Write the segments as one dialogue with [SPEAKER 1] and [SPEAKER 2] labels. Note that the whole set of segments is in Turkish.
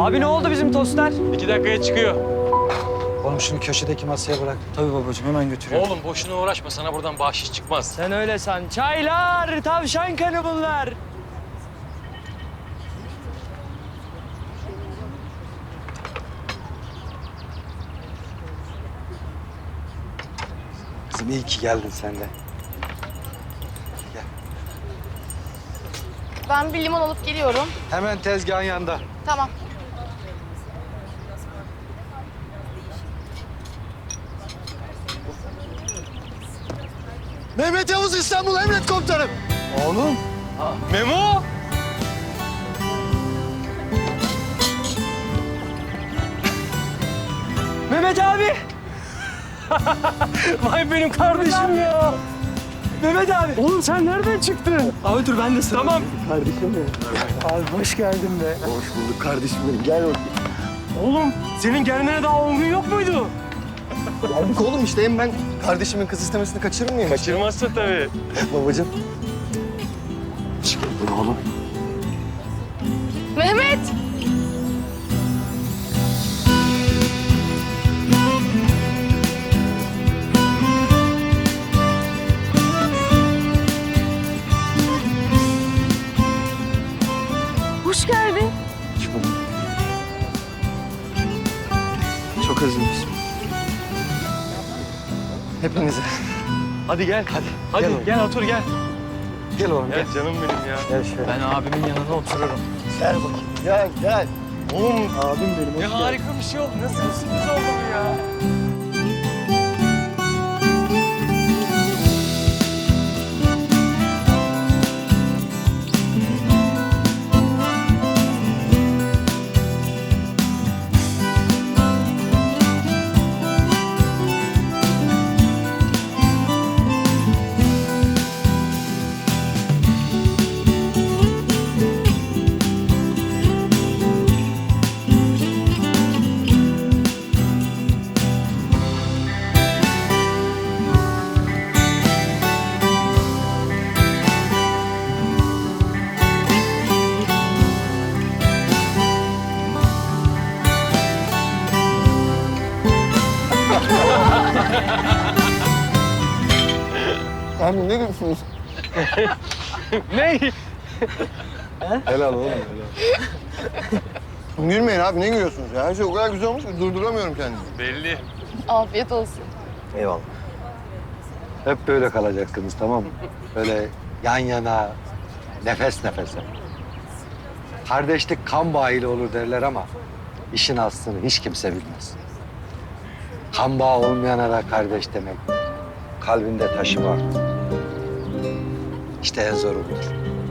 [SPEAKER 1] Abi ne oldu bizim tostlar?
[SPEAKER 2] 2 dakikaya çıkıyor.
[SPEAKER 3] Oğlum şunu köşedeki masaya bırak.
[SPEAKER 1] Tabii babacığım hemen götürüyorum.
[SPEAKER 2] Oğlum boşuna uğraşma, sana buradan bahşiş çıkmaz.
[SPEAKER 1] Sen öyle san. Çaylar, tavşan kanı bunlar.
[SPEAKER 3] Kızım iyi ki geldin sen de.
[SPEAKER 4] Ben bir limon alıp geliyorum.
[SPEAKER 3] Hemen tezgahın yanında.
[SPEAKER 4] Tamam.
[SPEAKER 3] Mehmet Yavuz İstanbul Emret Komutanım. Oğlum.
[SPEAKER 2] Memo!
[SPEAKER 1] Mehmet abi.
[SPEAKER 2] Vay benim kardeşim ya.
[SPEAKER 1] Mehmet abi.
[SPEAKER 2] Oğlum sen nereden çıktın?
[SPEAKER 1] Abi dur ben de sıra.
[SPEAKER 2] Tamam.
[SPEAKER 1] Abi hoş geldin be.
[SPEAKER 3] Hoş bulduk kardeşim benim. Gel bakayım.
[SPEAKER 2] Oğlum senin gelmene daha 10 gün yok muydu?
[SPEAKER 3] Geldik oğlum işte. Hem ben kardeşimin kız istemesini kaçırır mıyım?
[SPEAKER 2] Kaçırmazsın tabii.
[SPEAKER 3] Babacığım. Hoş geldin oğlum.
[SPEAKER 4] Mehmet! Hoş geldin.
[SPEAKER 3] Çok özlemişim. Hepinize.
[SPEAKER 2] Hadi gel. Hadi
[SPEAKER 3] Gel oğlum.
[SPEAKER 2] gel otur gel.
[SPEAKER 3] Gel oğlum gel.
[SPEAKER 2] Gel canım benim ya.
[SPEAKER 3] Gel şöyle.
[SPEAKER 1] Ben abimin yanına otururum.
[SPEAKER 3] Gel bakayım. Gel gel.
[SPEAKER 2] Oğlum
[SPEAKER 3] Abim benim.
[SPEAKER 2] ne harika bir şey oldu. Nasıl bir sürpriz oldu bu ya?
[SPEAKER 3] Abi ne gülüyorsunuz?
[SPEAKER 2] Ne?
[SPEAKER 3] Helal oğlum helal. Gülmeyin abi ne gülüyorsunuz ya? Her şey o kadar güzel olmuş ki durduramıyorum kendimi.
[SPEAKER 2] Belli.
[SPEAKER 4] Afiyet olsun.
[SPEAKER 3] Eyvallah. Hep böyle kalacaksınız tamam mı? Böyle yan yana, nefes nefese. Kardeşlik kan bağıyla olur derler ama işin aslını hiç kimse bilmez. Kan bağı olmayana da kardeş demek. Kalbinde taşı var. İşte en zoru budur.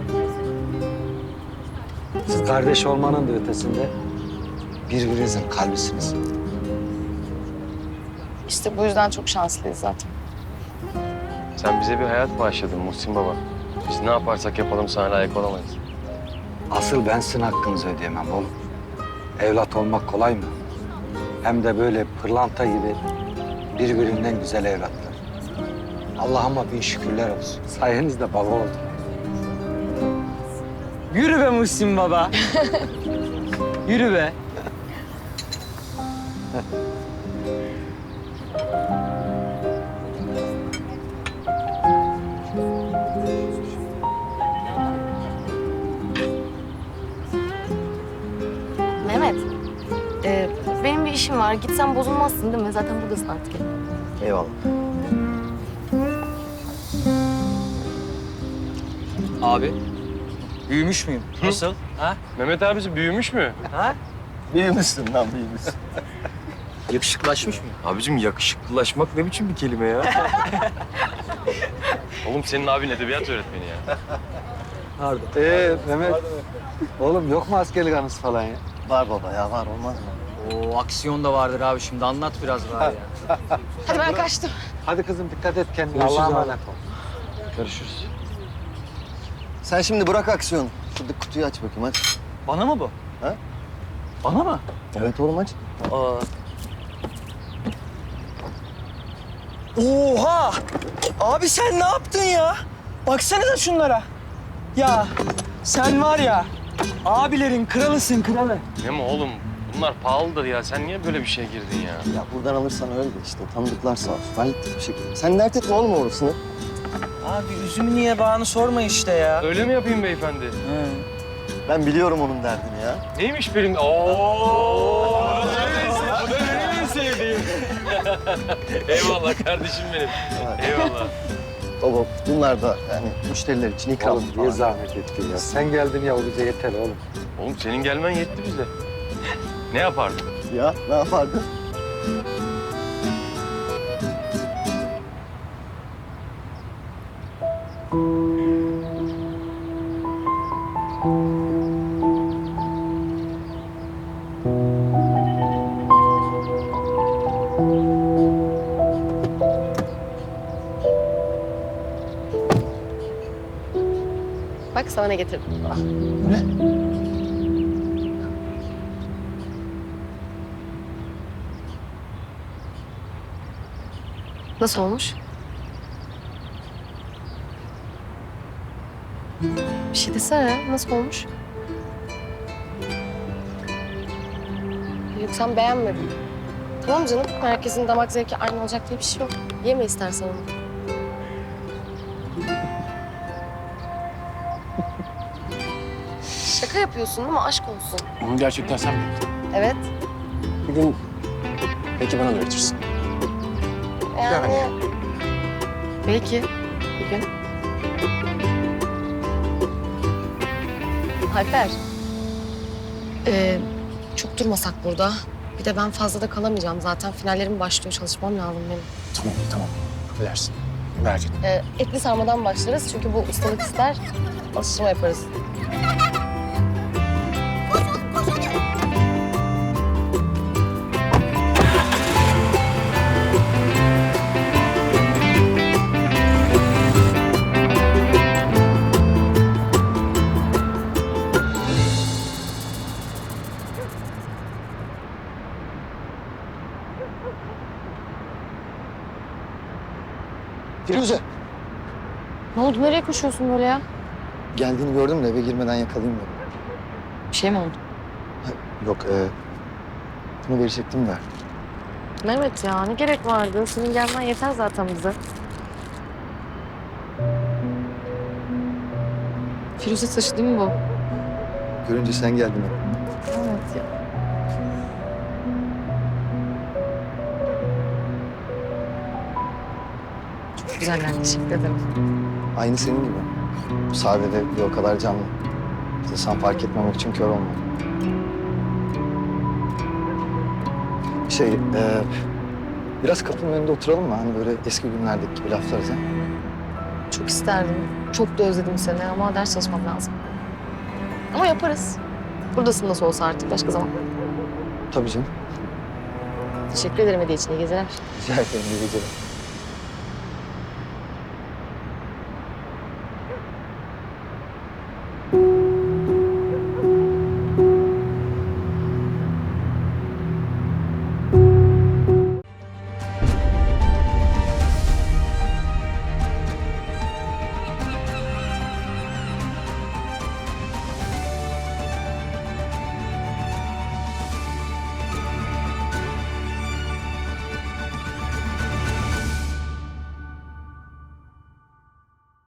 [SPEAKER 3] Siz kardeş olmanın da ötesinde birbirinizin kalbisiniz.
[SPEAKER 4] İşte bu yüzden çok şanslıyız zaten.
[SPEAKER 2] Sen bize bir hayat bağışladın Muhsin Baba. Biz ne yaparsak yapalım sana layık olamayız.
[SPEAKER 3] Asıl ben sizin hakkınızı ödeyemem oğlum. Evlat olmak kolay mı? Hem de böyle pırlanta gibi birbirinden güzel evlatlar. Allah'ıma bin şükürler olsun. Sayenizde baba oldum.
[SPEAKER 1] Yürü be Muhsin baba. Yürü be.
[SPEAKER 4] Mehmet, benim bir işim var. Gitsem bozulmazsın değil mi? Zaten buradasın artık.
[SPEAKER 3] Eyvallah.
[SPEAKER 1] Abi. Büyümüş müyüm? Nasıl? Ha?
[SPEAKER 2] Mehmet abisi büyümüş mü?
[SPEAKER 1] Ha?
[SPEAKER 3] Büyümüşsün lan büyümüşsün.
[SPEAKER 1] Yakışıklaşmış mıyım?
[SPEAKER 2] Abicim yakışıklılaşmak ne biçim bir kelime ya? Oğlum senin abin edebiyat öğretmeni ya.
[SPEAKER 1] Pardon.
[SPEAKER 3] Mehmet. Oğlum yok mu askerlik anısı falan ya? Var baba ya var olmaz mı?
[SPEAKER 1] Oo aksiyon da vardır abi şimdi anlat biraz var ya.
[SPEAKER 4] Hadi ben kaçtım.
[SPEAKER 3] Hadi kızım dikkat et kendine.
[SPEAKER 1] Görüşürüz
[SPEAKER 3] Allah'a
[SPEAKER 1] abi.
[SPEAKER 3] emanet ol.
[SPEAKER 2] Görüşürüz.
[SPEAKER 5] Sen şimdi bırak aksiyonu. Şurada kutuyu aç bakayım hadi.
[SPEAKER 1] Bana mı bu?
[SPEAKER 5] Ha?
[SPEAKER 1] Bana mı?
[SPEAKER 5] Evet oğlum aç.
[SPEAKER 1] Aa. Oha! Abi sen ne yaptın ya? Baksanıza şunlara. Ya sen var ya abilerin kralısın kralı.
[SPEAKER 2] Ne mi oğlum? bunlar pahalıdır ya. Sen niye böyle bir şeye girdin ya?
[SPEAKER 5] Ya buradan alırsan öyle de işte. Tanıdıklar sağ olsun. Hallettik bir şekilde. Sen dert etme oğlum orasını.
[SPEAKER 1] Abi üzümü niye bağını sorma işte ya.
[SPEAKER 2] Öyle mi yapayım beyefendi?
[SPEAKER 1] Hı.
[SPEAKER 5] Ben biliyorum onun derdini ya.
[SPEAKER 2] Neymiş benim? Oo! Bu da benim en sevdiğim. Eyvallah kardeşim benim. Eyvallah.
[SPEAKER 5] Baba bunlar da yani müşteriler için ikram
[SPEAKER 3] Oğlum niye zahmet ettin ya? Sen geldin ya o bize yeter oğlum.
[SPEAKER 2] Oğlum senin gelmen yetti bize. Ne yapardın?
[SPEAKER 5] Ya ne yapardın?
[SPEAKER 4] Bak sana ne getirdim. Nasıl olmuş? Bir şey desene. Nasıl olmuş? Yok sen beğenmedin. Tamam canım. Herkesin damak zevki aynı olacak diye bir şey yok. Yeme istersen onu. Şaka yapıyorsun değil mi? Aşk olsun.
[SPEAKER 6] Onu gerçekten sen mi?
[SPEAKER 4] Evet.
[SPEAKER 6] Bir gün belki bana da öğretirsin.
[SPEAKER 4] Yani... Belki bir gün. Alper. Çok durmasak burada. Bir de ben fazla da kalamayacağım zaten. Finallerim başlıyor. Çalışmam lazım benim.
[SPEAKER 6] Tamam, tamam. Affedersin. Merak etme.
[SPEAKER 4] Etli sarmadan başlarız. Çünkü bu ustalık ister. Alıştırma yaparız.
[SPEAKER 5] Firuze.
[SPEAKER 4] Ne oldu? Nereye koşuyorsun böyle ya?
[SPEAKER 5] Geldiğini gördüm de eve girmeden yakalayayım dedim.
[SPEAKER 4] Bir şey mi oldu?
[SPEAKER 5] Yok bunu verecektim de.
[SPEAKER 4] Mehmet ya ne gerek vardı? Senin gelmen yeter zaten bize. Firuze taşı değil mi bu?
[SPEAKER 5] Görünce sen geldin.
[SPEAKER 4] Evet ya. Çok güzel yani. Teşekkür ederim.
[SPEAKER 5] Aynı senin gibi. Sade de bir o kadar canlı. İnsan fark etmemek için kör olmalı. Biraz kapının önünde oturalım mı? Hani böyle eski günlerdeki gibi laflarız ha?
[SPEAKER 4] Çok isterdim. Çok da özledim seni ama ders çalışmam lazım. Ama yaparız. Buradasın nasıl olsa artık başka zaman.
[SPEAKER 5] Tabii canım.
[SPEAKER 4] Teşekkür ederim hediye için. İyi geceler.
[SPEAKER 5] Rica ederim. İyi geceler.